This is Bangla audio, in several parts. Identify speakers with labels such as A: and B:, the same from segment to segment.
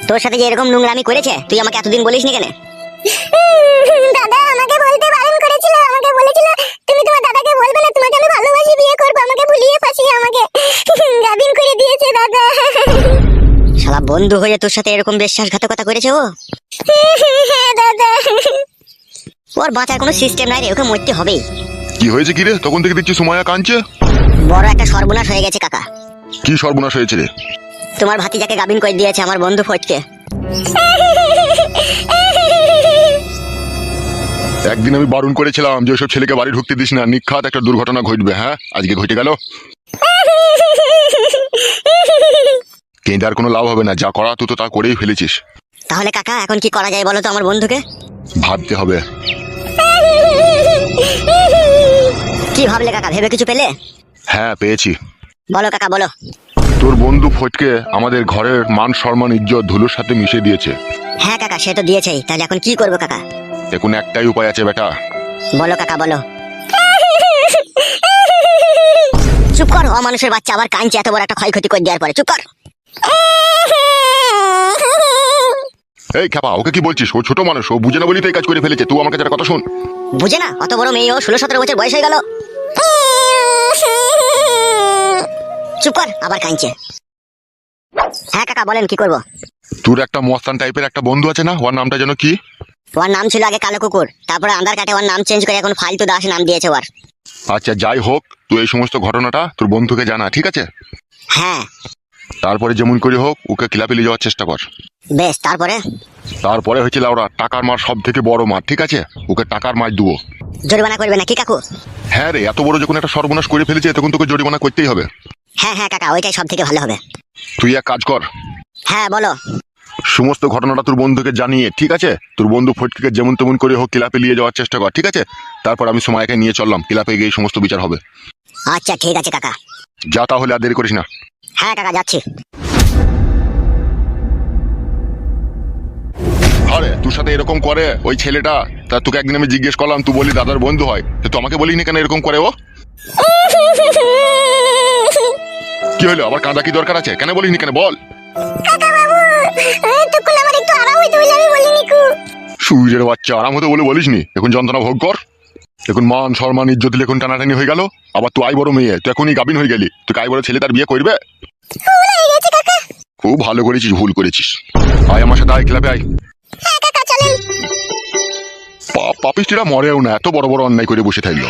A: তোর সাথে যে এরকম নোংরামি করেছে তুই আমাকে এতদিন বলিসনি কেন?
B: দাদা আমাকে বলতে বারণ করেছিল, আমাকে বলেছিল তুমি তোমার দাদাকে বলবে না, তোমাকে আমি ভালোবাসি, বিয়ে করব, আমাকে ভুলিয়ে ফাঁসিয়ে আমাকে গাবিন করে দিয়েছে দাদা।
A: শালা বন্ধু হয়ে তোর সাথে এরকম বিশ্বাসঘাতকতা করেছে ও?
B: হ্যাঁ দাদা।
A: ওর বাঁচার কোনো সিস্টেম নাই রে, ওকে মরতে হবেই।
C: কি হয়েছে কি রে? তখন থেকে দেখছি সুমাইয়া কাঁদছে।
A: বড় একটা সর্বনাশ হয়ে গেছে কাকা।
C: কি সর্বনাশ হয়েছে রে?
A: তোমার ভাতিজাকে গাবিন করে দিয়েছে আমার বন্ধু ফটকে।
C: একদিন আমি বারণ করেছিলাম যে ওইসব ছেলেকে বাড়ি ঢুকতে দিস না, নিখাত একটা দুর্ঘটনা ঘটবে। হ্যাঁ, আজকে ঘটে গেল। কিন্তু আর কোনো লাভ হবে না, যা করা তুই তো তা করেই ফেলেছিস।
A: তাহলে কাকা এখন কি করা যায় বলো তো আমার বন্ধুকে?
C: ভাবতে হবে।
A: কি ভাবলে কাকা, ভেবে কিছু পেলে?
C: হ্যাঁ, পেয়েছি।
A: বলো কাকা বলো।
C: তোর বন্ধু ফটকে আমাদের ঘরের মান সম্মান ইজ্জত ধুলোর সাথে মিশিয়ে দিয়েছে।
A: হ্যাঁ কাকা, সে তো দিয়েছেই, তাহলে এখন কি করবো কাকা?
C: এখন একটাই উপায় আছে বেটা।
A: বলো কাকা বলো। চুপ কর, অমানুষের বাচ্চা আবার কাঁদছে এত বড় একটা ক্ষয়ক্ষতি করে দেওয়ার পরে। চুপ কর।
C: এই খেপা, ওকে কি বলছিস? ও ছোট মানুষ, ও বুঝে না বলি তো এই কাজ করে ফেলেছে। তুই আমার কাছে একটা কথা শোন।
A: বুঝে না? অত বড় মেয়ে, ও 16-17 বছর বয়স হয়ে গেল। চুপ কর, আবার কাঁদছে। হ্যাঁ কাকা বলেন, কি করবো?
C: তোর একটা মস্তান টাইপের একটা বন্ধু আছে না, ওর নামটা যেন কি?
A: ওর নাম ছিল আগে কালো কুকুর, তারপরে আন্ধার কাটে ওর নাম চেঞ্জ করে এখন ফালতু দাস নাম দিয়েছে ওর।
C: আচ্ছা, যাই হোক, তুই এই সমস্ত ঘটনাটা তোর বন্ধুকে জানা, ঠিক আছে?
A: হ্যাঁ
C: তারপরে যেমন করে হোক ওকে ক্লাবে নিয়ে যাওয়ার চেষ্টা কর।
A: বেশ।
C: তারপরে হচ্ছে লাউরা, টাকার মার সব থেকে বড় মার, ঠিক আছে? ওকে টাকার মার দেবো।
A: জরিমানা করবে নাকি কাকু?
C: হ্যাঁ রে, এত বড় যখন একটা সর্বনাশ করে ফেলেছে তখন তোকে জরিমানা করতেই হবে।
A: হ্যাঁ হ্যাঁ কাকা, ওইটাই সব থেকে ভালো হবে।
C: তুই এক কাজ কর,
A: হ্যাঁ বলো।
C: সমস্ত ঘটনাটা তোর বন্ধুকে জানিয়ে, ঠিক আছে, তোর বন্ধু ফটকে যেমন তেমন করে হোক ক্লাবে নিয়ে যাওয়ার চেষ্টা কর, ঠিক আছে? তারপর আমি সময়কে নিয়ে চললাম, ক্লাবে গিয়ে সমস্ত বিচার হবে।
A: আচ্ছা ঠিক আছে কাকা।
C: যা তাহলে, আর দেরি করিস না।
A: হ্যাঁ কাকা যাচ্ছি।
C: আরে তোর সাথে এরকম করে ওই ছেলেটা, তা তোকে একদিন আমি জিজ্ঞেস করলাম, তুই বলি দাদার বন্ধু হয়, তো তুই আমাকে বলিনি কেন এরকম করে ও? কি হলো, আবার কাঁদা কি দরকার আছে? কেন বলিনি কেন বল?
B: কাকা বাবু, তখন আমার একটু আরাম হইতে বলে আমি বলিনি কু।
C: সুইরের বাচ্চা, আরাম হতে বলে বলিসনি? এখন যন্ত্রণা ভোগ কর। এখন মান সম্মান ইজ্জত দিলে এখন টানাটানি হয়ে গেল। আবার তুই আই বড় মেয়ে, তুই এখনই গাবিন হয়ে গেলি, তুই আই বড় ছেলে তার বিয়ে করবে?
B: ভুল হয়ে গেছে কাকা।
C: খুব ভালো করেছিস, ভুল করেছিস। আয় আমার সাথে, আয় ক্লাবে আয়।
B: হ্যাঁ কাকা চলেন।
C: পাপিষ্টিরা মরেও না, এত বড় বড় অন্যায় করে বসে থাকলো।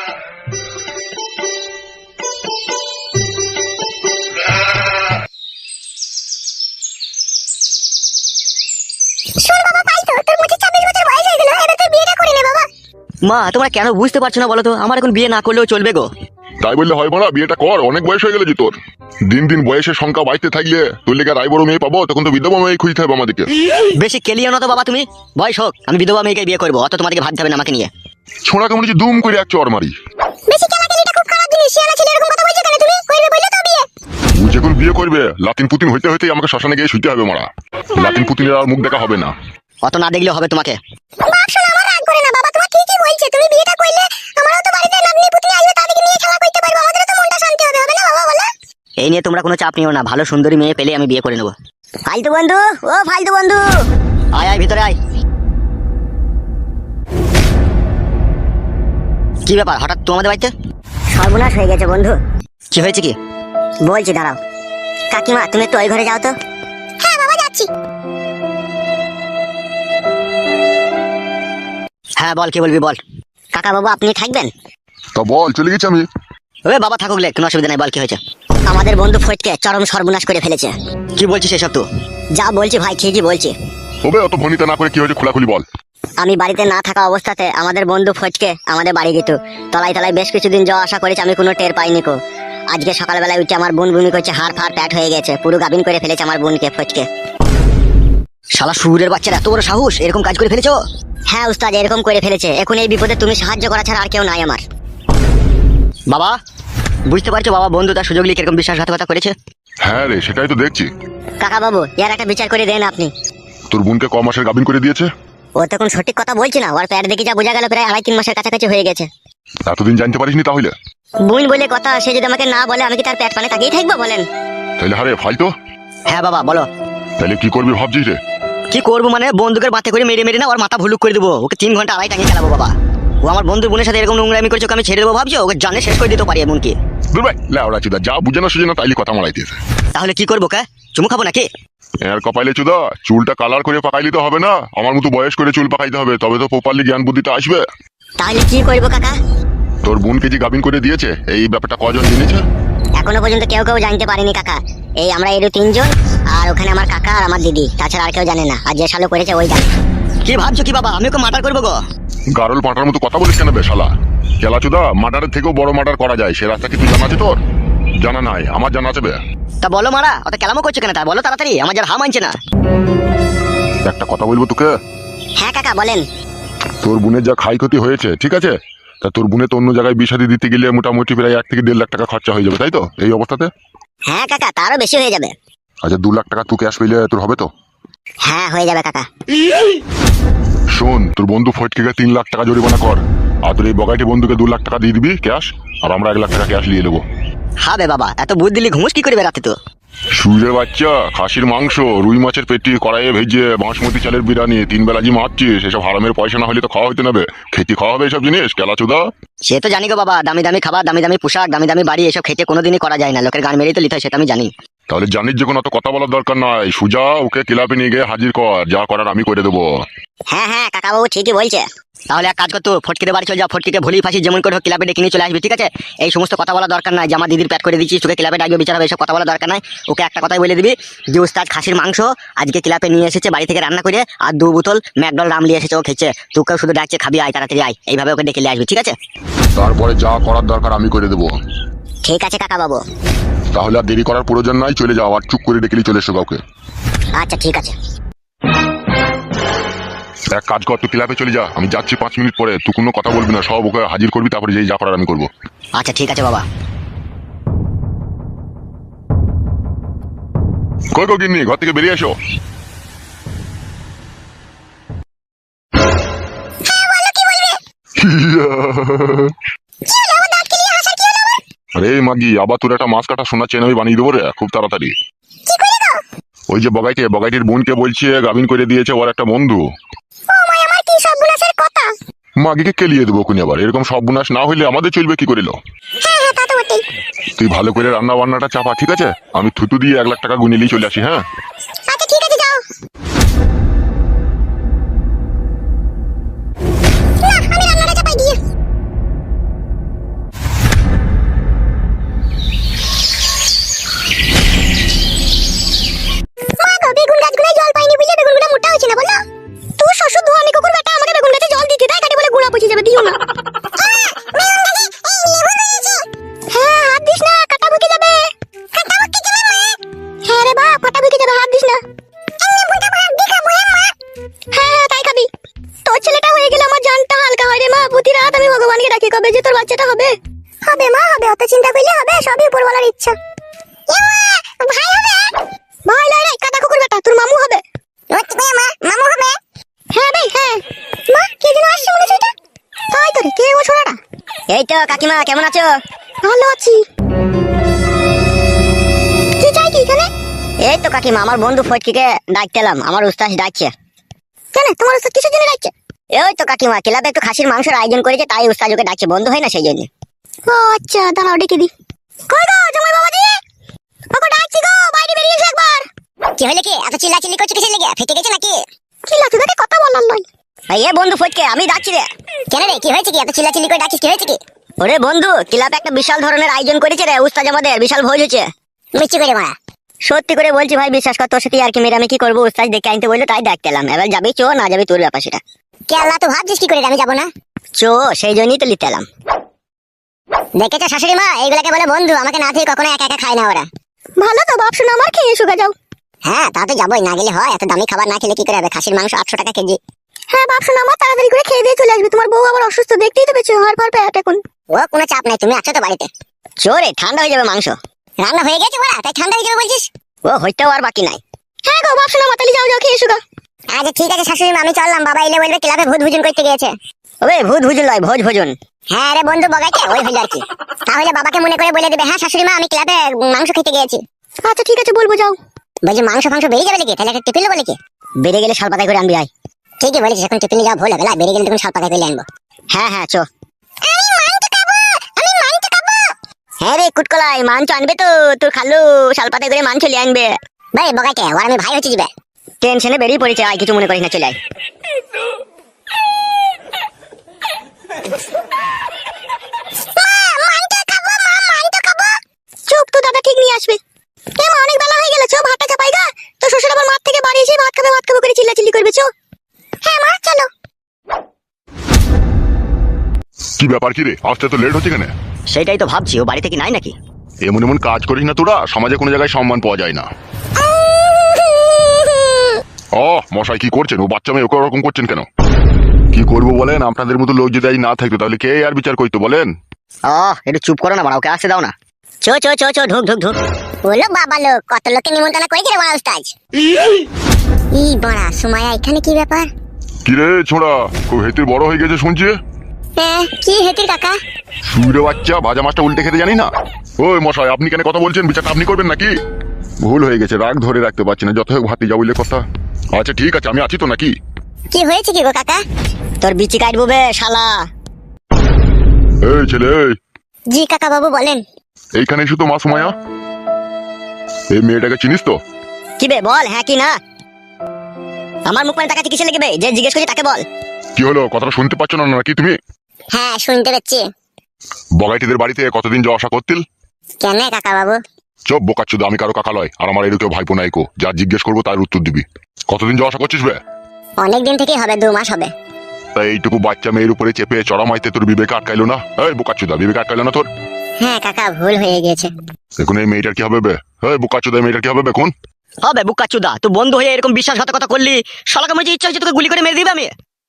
B: শোন বাবা, পাই তো তোর মুখে 26 বছর বয়স হয়ে গেল, এবার তুই বিয়েটা করে নে বাবা।
A: মা তোমরা কেন বুঝতে পারছো না বলো তো? আমার এখন বিয়ে না করলেও চলবে গো।
C: তাই বললে হয় মারা, বিয়েটা কর, অনেক বয়স হয়ে গেল যে তোর। দিন দিন বয়সের সংখ্যা বাড়তে থাকলে তোর লেগে রায় বড় মেয়ে পাবো, তখন তো বিধবা মেয়ে খুঁজতে হবে আমাদেরকে।
A: বেশি কেলিও না তো বাবা তুমি। বয়স হোক, আমি বিধবা মেয়েকে বিয়ে করবো, অত তোমাদেরকে ভাবতে হবে না আমাকে নিয়ে।
C: ছোড়া কেমন হচ্ছে, দুম করে এক চর মারি।
B: বেশি কেলাকেলিটা খুব খারাপ জিনিস। শিয়ানা ছেলে এরকম কথা বলছো কেন তুমি? করবে বললে তো বিয়ে।
C: ও যখন বিয়ে করবে, লাতিন পুতিন হইতে হইতে আমাকে শ্মশানে গিয়ে শুইতে হবে মারা। লাতিন পুতিনের আর মুখ দেখা হবে না।
A: অত না দেখলেও হবে তোমাকে।
B: বাপ শোনা, আমার রাগ করে না বাবা, তোমার ঠিকই বলছে। তুমি বিয়েটা করলে আমারও তো বাড়িতে নাতনি পুতনি আসবে, তাদেরকে নিয়ে খেলা করতে পারবো, আমাদেরও তো মনটা শান্তি হবে, হবে না বাবা বলো?
A: এই নিয়ে তোমরা কোনো চাপ নিও না, ভালো সুন্দরী মেয়ে পেলে আমি বিয়ে করে নেবো। ফালতু বন্ধু, ও ফালতু বন্ধু, আয় আয় ভিতরে আয়। কি ব্যাপার, হঠাৎ তো আমাদের বাড়িতে? সর্বনাশ হয়ে গেছে বন্ধু। কি হয়েছে কি? বলছি দাঁড়াও। কাকিমা তুমি একটু ওই ঘরে যাও তো।
B: হ্যাঁ বাবা যাচ্ছি।
A: হ্যাঁ বল, কি বলবি বল। কাকা বাবু আপনি থাকবেন?
C: তা বল, চলে গেছি আমি।
A: ওই বাবা থাকুক লে, কোনো অসুবিধা নেই, বল কি হয়েছে। আমাদের বন্ধু ফটকে চরম সর্বনাশ করে ফেলেছে। কি বলছিস এসব? তো যা বলছি ভাই ঠিকই বলছি।
C: তবে অত ভনিতা না করে কি হয়েছে খোলাখুলি বল।
A: আমি বাড়িতে না থাকা অবস্থাতে আমাদের বন্ধু ফটকে আমাদের বাড়ি গেত। তলায় তলায় বেশ কিছুদিন যাওয়া আসা করেছে, আমি কোনো টের পাইনি কো। আজকে সকালবেলায় উঠে আমার বোন বুনি করছে, হাড় ফাড় প্যাট হয়ে গেছে, পুরো গাবিন করে ফেলেছে আমার বোনকে ফটকে। শালা শুয়োরের বাচ্চার এত বড় সাহস, এরকম কাজ করে ফেলেছো? হ্যাঁ উস্তাদ, এরকম করে ফেলেছে। এখন এই বিপদে তুমি সাহায্য করা ছাড়া আর কেউ নাই আমার। বাবা বুঝতে পারছো বাবা, বন্ধু তার সুযোগ নিয়ে কিরকম বিশ্বাসঘাতকতা করেছে?
C: হ্যাঁ রে, সেটাই তো দেখছি।
A: কাকা বাবু এর একটা বিচার করে দেন আপনি।
C: তোর বোনকে ক মাসের গাবিন করে দিয়েছে?
A: ও তখন সঠিক কথা বলছি না, ওর প্যাট দেখে যা বোঝা গেল প্রায় 2.5-3 মাসের কাছাকাছি হয়ে গেছে।
C: এতদিন জানতে পারিসনি তাহলে?
A: বোন বলে কথা, সে যদি আমাকে না বলে আমি কি তার প্যাট পানে তাকিয়ে থাকবো বলেন?
C: তাহলে হারে ফালতো।
A: হ্যাঁ বাবা বলো।
C: তাহলে কি করবি ভাবছিস রে?
D: কি করবো মানে বন্দুকের বাতে করে মেরে মেরে না ওর মাথা ভুলুক করে দেবো, ওকে 3 ঘন্টা আড়াই টাঙিয়ে খেলাবো বাবা। ও আমার বন্ধুর বোনের সাথে এরকম নোংরামি করছে, ওকে আমি ছেড়ে দেবো ভাবছো? ওকে জানে শেষ করে দিতে পারি এমনকি।
C: দূর ভাই লেওড়া চুদা, যা বুঝে না সুঝে না তাইলে কথা মারাইতেছে।
D: তাহলে কি করবো কা? চুমু খাবো নাকি?
C: এর কপালে চুদা, চুলটা কালার করে পাকাইলে তো হবে না, আমার মতো বয়স করে চুল পাকাইতে হবে, তবে তো প্রপারলি জ্ঞান বুদ্ধিটা আসবে।
A: তাহলে কি করবো কাকা?
C: তোর বোনকে যে গাবিন করে দিয়েছে এই ব্যাপারটা কজন জেনেছে?
A: এখনো পর্যন্ত কেউ জানতে পারেনি কাকা। এই আমরা এর 3 জন, আর ওখানে আমার কাকা আর আমার দিদি, তাছাড়া আর কেউ জানে না। আর যে শালো করেছে ওই জানে।
D: কি ভাবছো কি বাবা, আমি ওকে মার্ডার করবো গো?
C: গারল পাঁটার মতো কথা বলিস কেন বে শালা? খেলা চুদা, মার্ডারের থেকেও বড় মার্ডার করা যায়, সে রাস্তা কি তুই জানা আছে তোর? জানা নাই? আমার জানা আছে বে।
D: তা বলো মারা, অত কেলামো করছো কেন? তা বলো তাড়াতাড়ি, আমার যার হা মানছে না।
C: একটা কথা বলবো তোকে।
A: হ্যাঁ কাকা বলেন।
C: তোর বোনের যা ক্ষয় ক্ষতি হয়েছে, ঠিক আছে, তা তোর বোনে তো অন্য জায়গায় বিষাদি দিতে গেলে মোটামুটি প্রায় 1 থেকে 1.5 লাখ টাকা খরচা হয়ে যাবে, তাই তো এই অবস্থাতে?
A: হ্যাঁ কাকা, তারও বেশি হয়ে যাবে।
C: আচ্ছা 2 লাখ টাকা তুই ক্যাশ পেলে তোর হবে তো?
A: হ্যাঁ হয়ে যাবে কাকা।
C: শোন, তোর বন্ধু ফটকে 3 লাখ টাকা জরিমানা কর, আর তোর এই বগাইটি বন্ধুকে 2 লাখ টাকা দিয়ে দিবি ক্যাশ, আর আমরা 1 লাখ টাকা ক্যাশ নিয়ে নেবো।
D: হবে বাবা, এত বুদ্ধি দিলি ঘুমুস কি করবে রাতে তো?
C: সুরের বাচ্চা, খাসির মাংস, রুই মাছের পেটি কড়াইয়ে ভেজে, বাঁশমতি চালের বিরিয়ানি, 3 বেলা জি মারছিস, এসব হারামের পয়সা না হলে তো খাওয়া হইতে নেবে, খেতে খাওয়া হবে এসব জিনিস কেলাচুদা?
D: সে তো জানি গো বাবা, দামি দামি খাবার, দামি দামি পোশাক, দামি দামি বাড়ি, এসব খেতে কোনোদিনই করা যায় না, লোকের গান মেরেই তো লিতে হয়, সেটা আমি জানি।
C: তাহলে জানিস যখন অত কথা বলার দরকার নাই, সুজা ওকে ক্লাবে নিয়ে গিয়ে হাজির কর, যা করার আমি করে দেবো।
A: হ্যাঁ হ্যাঁ কাকা বাবু ঠিকই বলছে।
D: তাহলে এক কাজ করতো, ফটকিতে বাড়ি চলে যা, ফটকিকে ভুলি ফাঁসি যেমন করে হোক ক্লাবে ডেকে নিয়ে চলে আসবি, ঠিক আছে? এই সমস্ত কথা বলা দরকার নাই যে আমার দিদির প্যাট করে দিচ্ছিস, তোকে ক্লাবে ডাকবে বিচার হবে, এসব কথা বলা দরকার নাই। ওকে একটা কথাই বলে দিবি যে উস্তাদ খাসির মাংস আজকে ক্লাবে নিয়ে এসেছে বাড়ি থেকে রান্না করে, আর 2 বোতল ম্যাকডল রাম নিয়ে এসেছে, ও খেয়েছে, তোকেও শুধু ডাকছে খাবি আয়, তাড়াতাড়ি আয়, এইভাবে ওকে ডেকে নিয়ে আসবি, ঠিক আছে?
C: তারপরে যা করার দরকার আমি করে দেবো।
A: ঠিক আছে কাকা বাবু।
C: তাহলে আর দেরি করার প্রয়োজন নাই, চলে যাও, আর চুপ করে ডেকে নিয়ে চলে এসো কাউকে।
A: আচ্ছা ঠিক আছে।
C: এক কাজ কর, তুই ক্লাবে চলে যা, আমি যাচ্ছি 5 মিনিট পরে, তুই কোনো কথা বলবি না, সব ওকে হাজির করবি, তারপরে যেই যা করার আমি করবো।
D: আচ্ছা ঠিক আছে বাবা।
C: কই কই গিন্নি, ঘর থেকে বেরিয়ে এসো। আরে মাগি, আবার তোর একটা মাছ কাটা সোনা চেন আমি বানিয়ে দেবো রে খুব তাড়াতাড়ি। ওই যে বগাইটির বোনকে বলছে গাবিন করে দিয়েছে ওর একটা বন্ধু।
B: আমার কি সর্বনাশের কথা!
C: মাগিকে কেলিয়ে দেবো কোন আবার, এরকম সব বুনাস না হইলে আমাদের চলবে কি করিল?
B: হ্যাঁ হ্যাঁ তা তো বটেই।
C: তুই ভালো করে রান্না বান্নাটা চাপা, ঠিক আছে? আমি থুতু দিয়ে 1 লাখ টাকা গুনিলেই চলে আসি। হ্যাঁ
B: আচ্ছা ঠিক আছে, যাও। না, আমি রান্নাটা চাপাই দিয়ে। মা গো, বেগুন গাছগুলোয় জল পাইনি বুঝলে বেগুনগুলো মোটা হচ্ছে না, বলো? তোর শ্বশুর ধোয়ানি কুকুর বেটা আমাকে বেগুন গাছে জল দিতে দেয়, কাটে বলে গুঁড়া পচে যাবে, দিও না। হ্যাঁ, হাত দিস না, কাটা বুকে যাবে। হ্যাঁ রে বাপ, কাটা বুকে যাবে, হাত দিস না। হ্যাঁ হ্যাঁ তাই খাবি। তোর ছেলেটা হয়ে গেলে আমার জানটা হালকা হয় রে মা, প্রতি রাত আমি ভগবানকে ডাকি কবে যে তোর বাচ্চাটা হবে। হবে মা হবে, অত চিন্তা করলে হবে, সবই উপরওয়ালার ইচ্ছা। ভাই হবে? ভাই লয় রে, কাটা কুকুর বেটা, তোর মামু হবে। মামু হবে? হ্যাঁ ভাই হ্যাঁ। মা কে যেন আসছে মনে হচ্ছে, এটা তাই তো রে, কে ও ছোড়াটা?
A: এই তো কাকিমা, কেমন আছো?
B: ভালো আছি। কি চাই কি এখানে?
A: এই তো কাকিমা, আমার বন্ধু ফটকিকে ডাকতে এলাম, আমার উস্তাদ ডাকছে।
B: কেন, তোমার ওস্তাদ কিসের জন্য ডাকছে?
A: ওই তো কাকিমা, ক্লাবে একটু খাসির মাংসের আয়োজন করেছে, তাই উস্তাদ ওকে ডাকছে, বন্ধ হয় না সেই জন্য।
B: ও আচ্ছা, দাঁড়াও ডেকে দি। কই গো জামাই বাবাজি, ওকে ডাকছি গো, বাইরে বেরিয়ে এসো একবার।
A: কি হইলে কি এত চিল্লাচিল্লি করছো কিসের লেগে? ফেটে গেছে নাকি?
B: কি লাগছে দেখে কথা বলার নয়।
A: এ বন্ধু ফটকে, আমি ডাকছি রে। কেন রে, কি হয়েছে? কি এত চিল্লাচিল্লি করে ডাকছিস, কি হয়েছে কি? ওরে বন্ধু, ক্লাবে একটা বিশাল ধরনের আয়োজন করেছে রে উস্তাদ, আমাদের বিশাল ভোজ হচ্ছে। মিষ্টি করে মারা, সত্যি করে বলছি ভাই, বিশ্বাস কর, তোর সাথে আর কি মেরে আমি কি করবো? উস্তাদ দেখে আনতে বললো, তাই ডাকতে এলাম। এবার যাবি চো, না যাবি তোর ব্যাপার সেটা।
B: কে আল্লাহ, তো ভাবছিস কি করে আমি যাবো না?
A: চো, সেই জন্যই তো লিতে এলাম।
B: দেখেছো শাশুড়ি মা, এইগুলাকে বলে বন্ধু, আমাকে না থেকে কখনো একা একা খায় না ওরা। ভালো তো বাপ, শোনো আমার, খেয়ে শুকা যাও।
A: হ্যাঁ তা তো যাবোই, না গেলে হয়? এত দামি খাবার না খেলে কি করে হবে? খাসির মাংস 800 টাকা কেজি।
B: হ্যাঁ বাপ শোনো আমার, তাড়াতাড়ি করে খেয়ে দিয়ে চলে আসবি, তোমার বউ আবার অসুস্থ, দেখতেই তো পেয়েছো, হাড় ফাড় প্যাট এখন।
A: ও কোনো চাপ নাই, তুমি আছো তো বাড়িতে। চোরে, ঠান্ডা হয়ে যাবে মাংস।
B: রান্না হয়ে গেছে ওরা, তাই ঠান্ডা হয়ে যাবে বলছিস?
A: ও হইতেও আর বাকি নাই।
B: হ্যাঁ গো বাপ শোনো, মাতালি যাও যাও, খেয়ে শুকা।
A: আচ্ছা ঠিক আছে শাশুড়ি মা, আমি চললাম, বাবা এলে বলবে ক্লাবে ভূত ভোজন করতে গিয়েছে। ওরে ভূত ভোজন লয়, ভোজ ভোজন। হ্যাঁ রে বন্ধু বগাইছে, ওই হইল আর কি। তাহলে বাবাকে মনে করে বলে দেবে, হ্যাঁ শাশুড়ি মা আমি ক্লাবে মাংস খেতে গিয়েছি।
B: আচ্ছা ঠিক আছে, বলবো, যাও। বলছি মাংস ফাংস বেরিয়ে যাবে নাকি? তাহলে একটা টিফিন নেবো নাকি?
A: বেড়ে গেলে শাল পাতায় করে আনবি আয়।
B: ঠিকই বলেছিস, এখন টিফিনে যাওয়া ভুল হবে না, বেরিয়ে গেলে তখন শাল পাতা করে আনবো।
A: হ্যাঁ হ্যাঁ চো। হ্যাঁ রে কুটকলাই, মাংস আনবে তো তোর খালু, শাল পাতায় করে মাংস লিয়ে আনবে।
B: ভাই বগাইকে ওর আমি ভাই হচ্ছে যাবে।
A: টেনশনে বেরিয়ে পড়েছে, আয় কিছু মনে করিস না, চলে আয়।
B: চুপ, তো দাদা ঠিক নিয়ে আসবে। মা অনেক বেলা হয়ে গেল, চো ভাতটা চাপাই গা। তো শ্বশুর আবার মাঠ থেকে বাড়ি এসে ভাত খাবে করে চিল্লাচিল্লি করবে, চো। হ্যাঁ মা চলো।
C: কি ব্যাপার কি রে, আসতে তো লেট হচ্ছে কেন?
D: সেটাই তো ভাবছি, ও বাড়ি থেকে নাই নাকি?
C: এমন এমন কাজ করিস না তোরা, সমাজে কোনো জায়গায় সম্মান পাওয়া যায় না। ও মশাই কি করছেন? ও বাচ্চা মেয়ে ওকে ওরকম করছেন কেন? কি করবো বলেন? আপনাদের মতো লোক যদি আজ না থাকতো তাহলে কে আর বিচার করতো বলেন?
D: একটু চুপ করো না বাড়া, ওকে আসতে দাও না।
A: চো চো চো চো, ঢুক ঢুক ঢুক।
B: বলো বাবা লোক, কত লোককে নিমন্ত্রণ করেছে রে বড় উস্তাদ। ই বড়া সুমাইয়া, এখানে কি ব্যাপার?
C: কি রে ছোড়া, খুব হেতির বড় হয়ে গেছে শুনছি।
B: হ্যাঁ কি হেতির কাকা?
C: সুরে বাচ্চা, ভাজা মাছটা উল্টে খেতে জানি না। ওই মশাই আপনি কেন কথা বলছেন? বিচারটা আপনি করবেন নাকি? ভুল হয়ে গেছে, রাগ ধরে রাখতে পারছি না, যত হোক ভাতি যা বললে কথা। আচ্ছা ঠিক আছে, আমি আছি তো নাকি?
B: কি হয়েছে কি গো কাকা?
A: তোর বিচি কাটবো বে শালা।
C: এই ছেলে এই,
B: জি কাকা বাবু বলেন।
C: এইখানে এসে তো মা সুমাইয়া, এই মেয়েটাকে চিনিস তো?
A: কি বে বল, হ্যাঁ কি না? আমার মুখ মানে তাকাচ্ছি কিসে লেগে বে? যে জিজ্ঞেস করছি তাকে বল।
C: কি হলো, কথাটা শুনতে পাচ্ছ না নাকি তুমি?
B: হ্যাঁ শুনতে পাচ্ছি।
C: বগাইটিদের বাড়িতে কতদিন যাওয়া আসা করতিল?
B: কেন কাকা বাবু?
C: চপ বোকাচ্ছুদ, আমি কারো কাকা লয়, আর আমার এরকম ভাইপো নাইকো, যা জিজ্ঞেস করবো তার উত্তর দিবি। কতদিন যাওয়া আসা করছিস বে?
B: অনেকদিন থেকেই হবে, 2 মাস হবে।
C: তাই এইটুকু বাচ্চা মেয়ের উপরে চেপে চড়া মাইতে তোর বিবেক আটকাইলো না? এই বোকাচ্ছুদা, বিবেক আটকাইলো না তোর?
B: হ্যাঁ কাকা ভুল হয়ে গেছে।
C: এখন এই মেয়েটার কি হবে বে? এই বোকাচ্ছুদা, এই মেয়েটার কি হবে বে কোন?
D: হবে বুকাচুদা, তুই বন্ধু হয়ে এরকম বিশ্বাসঘাতকতা করলি, শালাকে মনে হচ্ছে ইচ্ছা হচ্ছে তোকে গুলি করে মেরে দিবে আমি।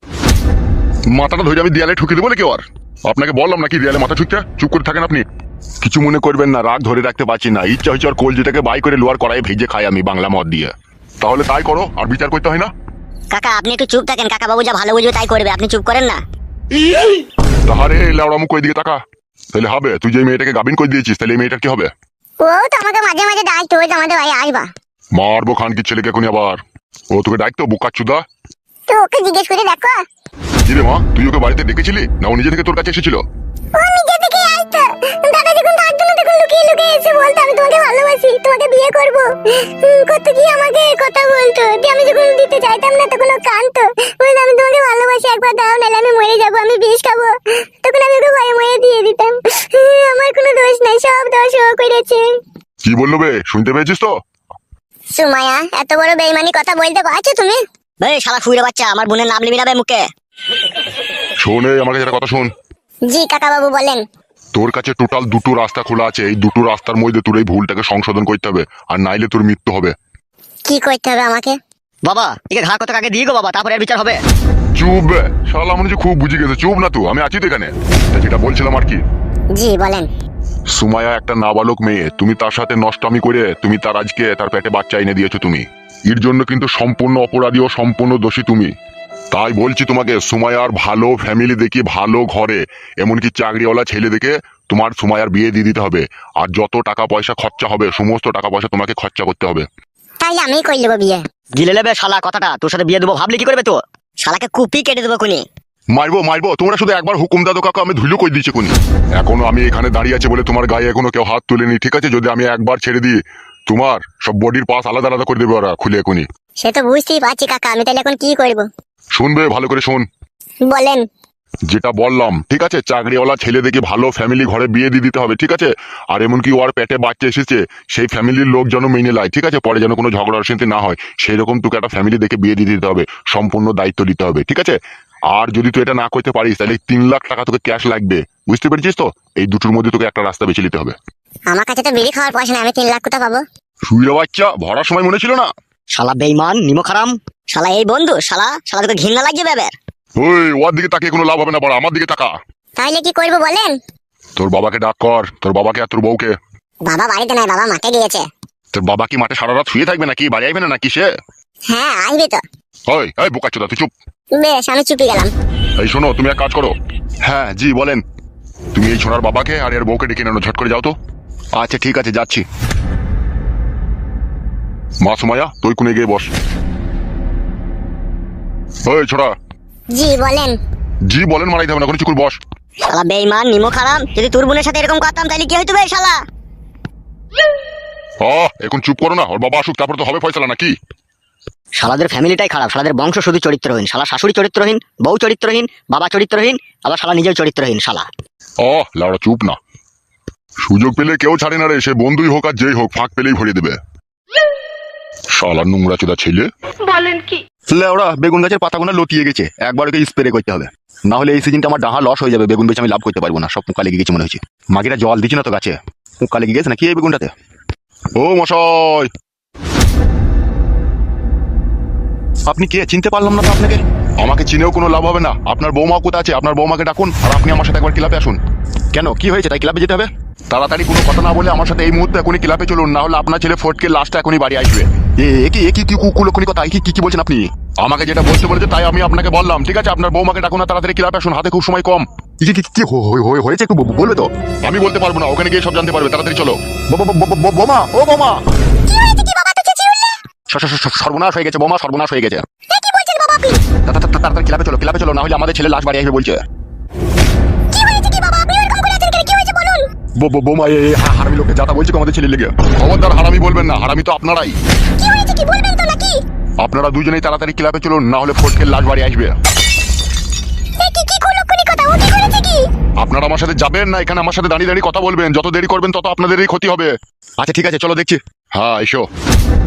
C: মাথাটা ধরে আমি দেয়ালে ঠুকে দেবো নাকি? আর আপনাকে বললাম নাকি দেয়ালে মাথা ঠুকতে? চুপ করে থাকেন আপনি। কিছু মনে করবেন না, রাগ ধরে রাখতে পারছি না, ইচ্ছা হচ্ছে আর কলজিটাকে বাই করে লোয়ার কড়াই ভেজে খাই আমি বাংলা মদ দিয়ে। তাহলে তাই করো, আর বিচার করতে হয় না।
A: কাকা আপনি একটু চুপ থাকেন, কাকা বাবু যা ভালো বুঝবে তাই করবে, আপনি চুপ করেন না।
C: তাহারে লেওড়া মুখ ওই দিকে তাকা। তাহলে হবে, তুই যে মেয়েটাকে গাবিন করে দিয়েছিস, তাহলে এই মেয়েটার কি হবে?
B: ও তো আমাকে মাঝে মাঝে ডাকতো, ওই যে আমাদের ভাই আসবা।
C: মারবো খান কি ছেলেকে এখনই আবার। ও তোকে ডাকতো বোকাচ্ছুদা?
B: তো ওকে জিজ্ঞেস করে দেখো।
C: কি রে মা, তুই ওকে বাড়িতে ডেকেছিলি না ও নিজে থেকে তোর কাছে এসেছিল?
B: ও নিজে থেকে আসতো, দাদা যখন থাকতো না তখন লুকিয়ে লুকিয়ে এসে বলতো আমি তোমাকে ভালোবাসি, তোমাকে বিয়ে করবো। কত কি আমাকে কথা বলতো, যে আমি যখন দিতে চাইতাম না তখন ও কাঁদতো, বলতো আমি তোমাকে ভালোবাসি, একবার দাও নাহলে আমি মরে যাবো, আমি বিষ খাবো। তখন আমি ওকে ভয়ে মরে দিয়ে দিতাম। আমার কোনো দোষ নাই, সব দোষ ও করেছে।
C: কি বললো বে, শুনতে পেয়েছিস তো?
B: সুমাইয়া এত বড় বেইমানি কথা বলতে পারছো তুমি?
A: বে শালা ফুইরে বাচ্চা, আমার বোনের নাম লিবি না বে মুখে।
C: শোন এই, আমার কাছে একটা কথা শোন।
B: জি কাকা বাবু বলেন।
C: তোর কাছে টোটাল 2টো রাস্তা খোলা আছে, এই 2টো রাস্তার মধ্যে তোর এই ভুলটাকে সংশোধন করতে হবে, আর নাইলে তোর মৃত্যু হবে।
B: কি করতে হবে আমাকে?
D: বাবা একে ঘা কত আগে দিয়ে গো বাবা, তারপরে আর বিচার হবে।
C: চুপ বে শালা, মনে হচ্ছে খুব বুঝে গেছে। চুপ না, তো আমি আছি তো এখানে। তা যেটা বলছিলাম আর কি,
B: জি বলেন।
C: সুমাইয়া একটা নাবালক মেয়ে, তুমি তার সাথে নষ্টামি করে তুমি তার আজকে তার পেটে বাচ্চা এনে দিয়েছো তুমি। এর জন্য কিন্তু সম্পূর্ণ অপরাধী ও সম্পূর্ণ দোষী তুমি। তাই বলছি তোমাকে, সুমাইয়ার ভালো ফ্যামিলি দেখি, ভালো ঘরে, এমনকি চাকরিওয়ালা ছেলে দেখে তোমার সুমাইয়ার বিয়ে দিয়ে দিতে হবে। আর যত টাকা পয়সা খরচা হবে, সমস্ত টাকা পয়সা তোমাকে খরচা করতে হবে।
B: তাইলে আমি কই নেবো বিয়ে।
D: গিলে নেবে শালা কথাটা, তোর সাথে বিয়ে দেবো ভাবলি কি করবে তো?
A: শালাকে কুপি কেটে দেবো কোনি।
C: মারবো মারবো, তোমরা শুধু একবার হুকুম দাদো কাকা, আমি ধুলো কই দিয়েছি কোনি। এখনো আমি এখানে দাঁড়িয়ে আছে বলে তোমার গায়ে এখনো কেউ হাত তুলেনি, ঠিক আছে? যদি আমি একবার ছেড়ে দিই, তোমার সব বডির পাস আলাদা আলাদা করে দেবে ওরা খুলে এখনই।
B: সে তো বুঝতেই পারছি কাকা, আমি তাহলে এখন কি করব?
C: শুনবে ভালো করে শোন,
B: বলেন।
C: যেটা বললাম ঠিক আছে, চাকরিওয়ালা ছেলে দেখে ভালো ফ্যামিলি ঘরে বিয়ে দিয়ে দিতে হবে, ঠিক আছে? আর এমনকি ওর পেটে বাচ্চা এসেছে, সেই ফ্যামিলির লোক যেন মেনে নেয়, ঠিক আছে? পরে যেন কোনো ঝগড়া অশান্তি না হয়, সেই রকম তোকে একটা ফ্যামিলি দেখে বিয়ে দিয়ে দিতে হবে, সম্পূর্ণ দায়িত্ব দিতে হবে, ঠিক আছে? আর যদি তুই এটা না করতে পারিস তাহলে 3 লাখ টাকা তোকে ক্যাশ লাগবে, বুঝতে পেরেছিস তো? এই দুটোর মধ্যে তোকে একটা রাস্তা বেছে নিতে হবে।
B: আমার কাছে তো বিড়ি খাওয়ার পয়সা নেই, আমি 3 লাখ কোথা পাবো?
C: শুয়ে বাচ্চা, ভরার সময় মনে ছিল না?
D: শালা বেইমান নিমখারাম।
A: শালা এই বন্ধু, শালা শালা তোকে ঘৃণা লাগছে বেবের।
C: ওই ওর দিকে তাকিয়ে কোনো লাভ হবে না, বড় আমার দিকে তাকা।
B: তাইলে কি করব বলেন?
C: তোর বাবাকে ডাক কর, তোর বাবাকে আর তোর বউকে।
B: বাবা বাড়িতে নাই, বাবা মাঠে গিয়েছে।
C: তোর বাবা কি মাঠে সারা রাত শুয়ে থাকবে নাকি? বাড়ি আসবে না নাকি সে?
B: হ্যাঁ আসবে তো।
C: ওই এই বোকাচোদা, তুই চুপ।
B: বেশ আমি চুপি গেলাম।
C: এই শোনো, তুমি এক কাজ করো। হ্যাঁ জি বলেন। তুমি এই ছোড়ার বাবাকে আর এর বউকে ডেকে নেনো, ঝট করে যাও তো। আচ্ছা ঠিক আছে, যাচ্ছি।
B: হ্যাঁ, ঠিক আছে।
C: এই শোনো, তুমি এক কাজ করো। হ্যাঁ জি বলেন। তুমি এই ছোড়ার বাবাকে আর এর বউকে ডেকে নেনো, ঝট করে যাও তো। আচ্ছা ঠিক আছে, যাচ্ছি।
B: হ্যাঁ, ঠিক আছে।
C: মা সুমাইয়া তুই কোনে গিয়ে বস। ওই ছোড়া,
B: জি বলেন।
C: জি বলেন মারাইতে হবে না, কোনো চুকুর বস।
A: শালা বেঈমান নিমো খারাম, যদি তোর বোনের সাথে এরকম করতাম তাহলে কি হইতো বে শালা?
C: এখন চুপ করো না, ওর বাবা আসুক তারপর তো হবে ফয়সালা নাকি?
D: শালাদের ফ্যামিলিটাই খারাপ, শালাদের বংশ শুধু চরিত্রহীন, শালা শাশুড়ি চরিত্রহীন, বউ চরিত্রহীন, বাবা চরিত্রহীন, আবার শালা নিজেও চরিত্রহীন শালা।
C: লাউড়া চুপ না, সুযোগ পেলে কেউ ছাড়ে না রে, সে বন্ধুই হোক আর যেই হোক, ফাঁক পেলেই ভরিয়ে দেবে। শালা নোংরা চোদা ছেলে।
E: বলেন কি?
F: ওরা বেগুন গাছের পাতাগুলো লতিয়ে গেছে, একবার ওকে স্প্রে করতে হবে, না হলে এই সিজনটা আমার ডাহা লস হয়ে যাবে, বেগুন বেচে আমি লাভ করতে পারবো না, সব পোকা লেগে গেছে মনে হচ্ছে। মাগিরা জল দিচ্ছে না তো গাছে, পোকা লেগে গেছে নাকি এই বেগুনটাতে?
C: ও মশাই,
F: আপনি কে চিনতে পারলাম না তো আপনাকে।
C: আমাকে চিনেও কোনো লাভ হবে না। আপনার বৌমা কোথা আছে? আপনার বৌমাকে ডাকুন আর আপনি আমার সাথে একবার ক্লাবে আসুন।
F: কেন কি হয়েছে তাই ক্লাবে যেতে হবে?
C: তাড়াতাড়ি কোনো কথা না বলে আমার সাথে এই মুহূর্তে এখনই ক্লাবে চলুন, না হলে আপনার ছেলে ফটকে লাস্টটা এখনই বাড়ি আসবে।
F: কি কুলক্ষণি কথা, কি বলছেন আপনি?
C: আমাকে যেটা বলতে বলেছে তাই আমি আপনাকে বললাম, ঠিক আছে? আপনার বৌমাকে ডাকুন আর তাড়াতাড়ি ক্লাবে আসুন, হাতে খুব সময় কম।
F: কি হয়েছে একটু বলবে তো?
C: আমি বলতে পারবো না, ওখানে গিয়ে সব জানতে পারবে, তাড়াতাড়ি চলো।
F: বোমা, ও বোমা,
B: কি হয়েছে কি বাবা, তো চেঁচিয়ে উঠলে?
F: সর্বনাশ হয়ে গেছে বোমা, সর্বনাশ হয়ে গেছে।
B: কি বলছেন বাবা আপনি?
F: তাড়াতাড়ি ক্লাবে চলো, না হলে আমাদের ছেলে লাশ বাড়ি আসবে বলছে।
B: কি হয়েছে কি বাবা, আপনি এরকম করে আছেন কেন? কি হয়েছে বলুন।
C: বোমা হারামি লোককে যাতা বলছি আমাদের ছেলে লেগে। খবরদার হারামি বলবেন না, হারামি তো আপনারাই।
B: কি হয়েছে কি বলবেন তো নাকি?
C: আপনারা দুজনেই তাড়াতাড়ি ক্লাবে চলুন, না হলে ফটকের লাশ বাড়ি আসবে।
B: কি কুলক্ষণি কথা, ও কি করেছে কি?
C: আপনারা আমার সাথে যাবেন না, এখানে আমার সাথে দাঁড়িয়ে দাঁড়িয়ে কথা বলবেন। যত দেরি করবেন তত আপনাদেরই ক্ষতি হবে।
F: আচ্ছা ঠিক আছে চলো দেখছি।
C: হ্যাঁ এসো।